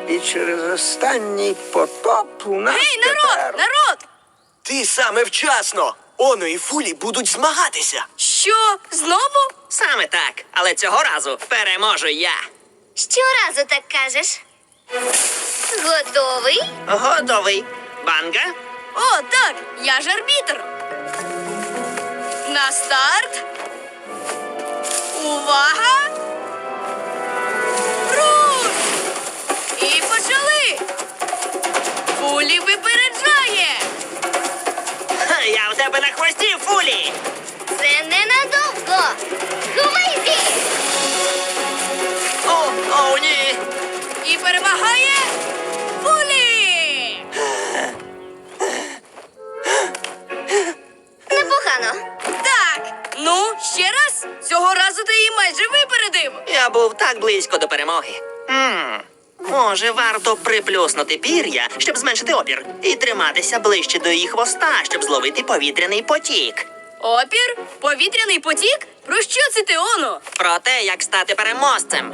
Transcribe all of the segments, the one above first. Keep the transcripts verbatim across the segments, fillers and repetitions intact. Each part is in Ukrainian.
І через останній потоп у нас Гей, народ! тепер... Народ! Ти саме вчасно. Оно і Фулі будуть змагатися. Що? Знову? Саме так, але цього разу переможу я. Щоразу так кажеш. Готовий? Готовий. Банга? О, так, я ж арбітр. На старт. Увага! Руш! І почали! Фулі випереджає! Ха, я в тебе на хвості, Фулі! Це ненадовго. Ховайся! О, о, ні! І перемагає Фулі! Непогано. Так, ну, ще раз. Цього разу ти її майже випередив. Я був так близько до перемоги. М, Може, варто приплюснути пір'я, щоб зменшити опір, і триматися ближче до її хвоста, щоб зловити повітряний потік. Опір? Повітряний потік? Про що це ти, Оно? Про те, як стати переможцем.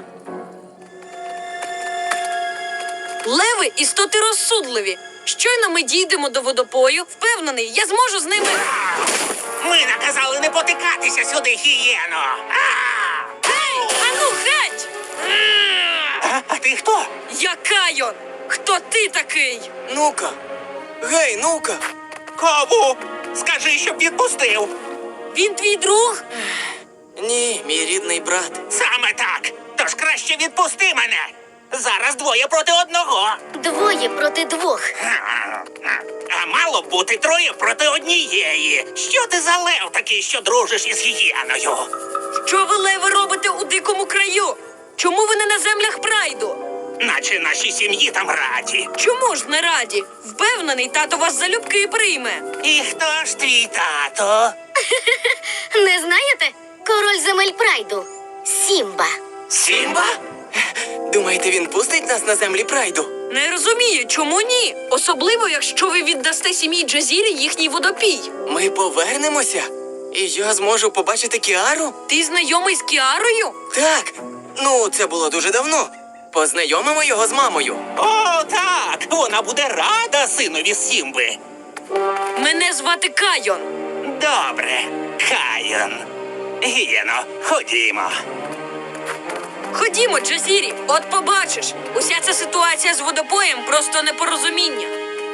Леви – істоти розсудливі. Щойно ми дійдемо до водопою, впевнений, я зможу з ними... Ми наказали не потикатися сюди, гієно. Гей, ану геть! А, а ти хто? Я Кайон! Хто ти такий? Ну-ка. Гей, ну-ка. Кому? Скажи, щоб відпустив. Він твій друг? Ні, мій рідний брат. Саме так. Тож краще відпусти мене. Зараз двоє проти одного. Двоє проти двох. А мало б бути троє проти однієї. Що ти за лев такий, що дружиш із гієною? Що ви, леви, робите у дикому краю? Чому ви не на землях Прайду? Наче наші сім'ї там раді. Чому ж не раді? Впевнений, тато вас залюбки прийме. І хто ж твій тато? Не знаєте? Король земель Прайду. Сімба. Сімба? Думаєте, він пустить нас на землі Прайду? Не розумію, чому ні? Особливо, якщо ви віддасте сім'ї Джазірі їхній водопій. Ми повернемося? І я зможу побачити Кіару? Ти знайомий з Кіарою? Так. Ну, це було дуже давно. Познайомимо його з мамою. О, так! Вона буде рада синові Сімби. Мене звати Кайон. Добре, Кайон. Гієно, ходімо. Ходімо, Джазірі, от побачиш. Уся ця ситуація з водопоєм просто непорозуміння.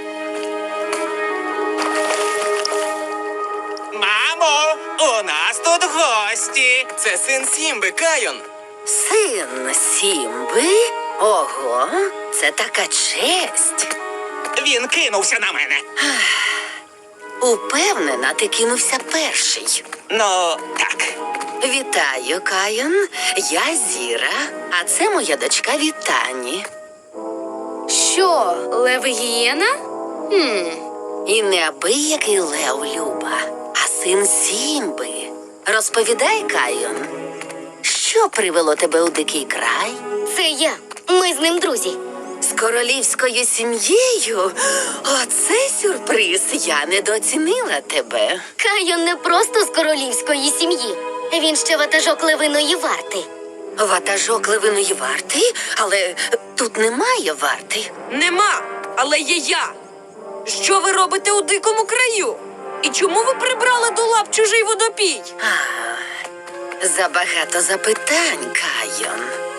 Мамо, у нас тут гості. Це син Сімби, Кайон. Син Сімби? Ого, це така честь. Він кинувся на мене. Упевнена, ти кинувся перший. Ну, так. Вітаю, Кайон. Я Зіра, а це моя дочка Вітані. Що, лев гієна? Хм. І неабиякий лев, Люба, а син Сімби. Розповідай, Кайон, що привело тебе у дикий край? Це я. Ми з ним друзі. З королівською сім'єю? Оце сюрприз, я недооцінила тебе. Кайон не просто з королівської сім'ї. Він ще ватажок левиної варти. Ватажок левиної варти? Але тут немає варти. Нема, але є я. Що ви робите у дикому краю? І чому ви прибрали до лап чужий водопій? А, забагато запитань, Кайон.